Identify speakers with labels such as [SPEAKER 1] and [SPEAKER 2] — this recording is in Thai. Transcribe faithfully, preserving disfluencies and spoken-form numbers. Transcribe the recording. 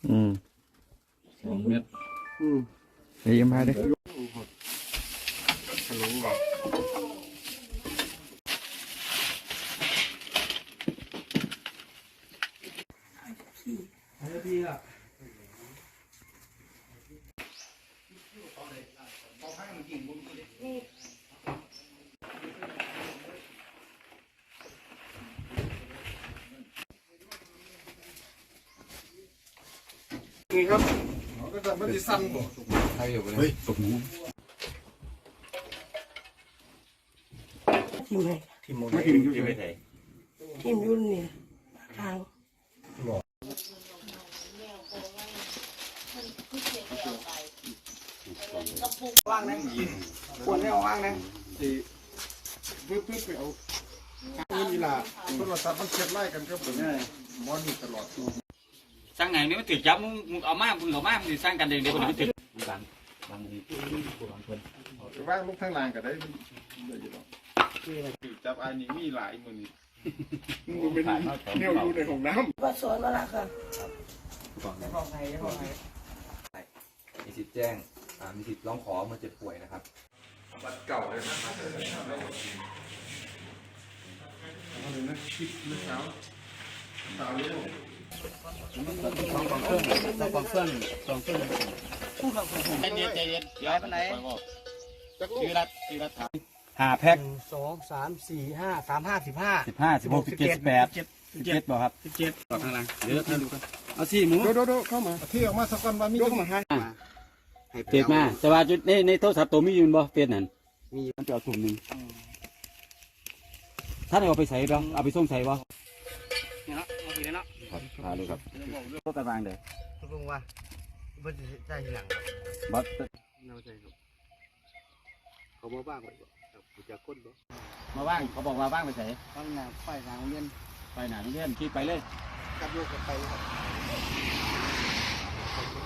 [SPEAKER 1] อืม
[SPEAKER 2] สองเม็ด
[SPEAKER 3] อืม
[SPEAKER 1] เดี๋ยวมาดิ
[SPEAKER 3] ขนมหวานดีอ่ะนี่ครับก็จะไม่ได้สั้นบ่ใครอยู่เลยเฮ้ยตกหมู
[SPEAKER 4] ทีมไหน
[SPEAKER 3] ทีมโมไม่ทีมอยู่ไหน
[SPEAKER 4] ทีมรุ่นเนี่ยทาง
[SPEAKER 3] ว่างนะควรไม่เอาว่างนะที่เพื่อเพื่อไปเอาเงินอีหล่าโทรศัพท์มันเช็ดไล่กันครับผมมอนนี่ตลอด
[SPEAKER 2] สร้างไงนี่มันถือจับมึงมึงเอามามึงเอามามึงสร้างกันเองเดี๋ยวมันถือบางบางทีบางคน
[SPEAKER 3] ว่างลูกทั้งลานก็ได้จับอันนี้มีหลายมือนี่มึงเป็นแนวอยู่ในห้องน้ำ
[SPEAKER 4] ว่าสอนมาละค่ะ
[SPEAKER 5] มีสิทธิ์แจ้งมีสิทธิ์ร้องขอเมื่อเจ็บป่วยนะครับ
[SPEAKER 3] บัตรเก่าเลยนะเอาเลยนะชิดเมื่อเช้าเช้าเลย
[SPEAKER 2] ต้องฟังเครื่องต้องฟังเครื่องต้องเครื่องใจเย็นใจเย็นย้ายไปไหนชื่อรัฐชื่อรัฐห้าแพ็ค
[SPEAKER 4] สองสามสี่ห้าสามห้าสิบห้า
[SPEAKER 2] สิบห้าสิบหกสิบเจ็ดสิบแปดสิบเจ็ดบอกครับสิบเจ็ดต่อทางหลังเดี๋ยวให้ดูกันเอาสี่หมู
[SPEAKER 3] โดโดโดเข้ามาที่ออกมาสักวันวันนี้เข้ามาให้
[SPEAKER 2] เฟซมาแต่ว่าจุดในในโทรศัพท์ตัวมีอยู่บ่เฟซนั่นมีมันจะเอาถุงหนึ่งท่านเอาไปใส่บ่เอาไปส่งใส่บ่เนี่ยเนาะเอาไปเลยเนาะครับพาเลยครับโทรตารางเด้อ
[SPEAKER 4] ตกลงว่าบัตรใจทีหลัง
[SPEAKER 2] บัตร
[SPEAKER 4] เราใจครับเขาบอกบ้างเลยจะก้นบ่
[SPEAKER 2] มาว่างเขาบอกว่าว่างไปใส่
[SPEAKER 4] บ้างนะไปทางเรียน
[SPEAKER 2] ไปไหนเรียนคิดไปเลย
[SPEAKER 4] กับลูกกับไปครับ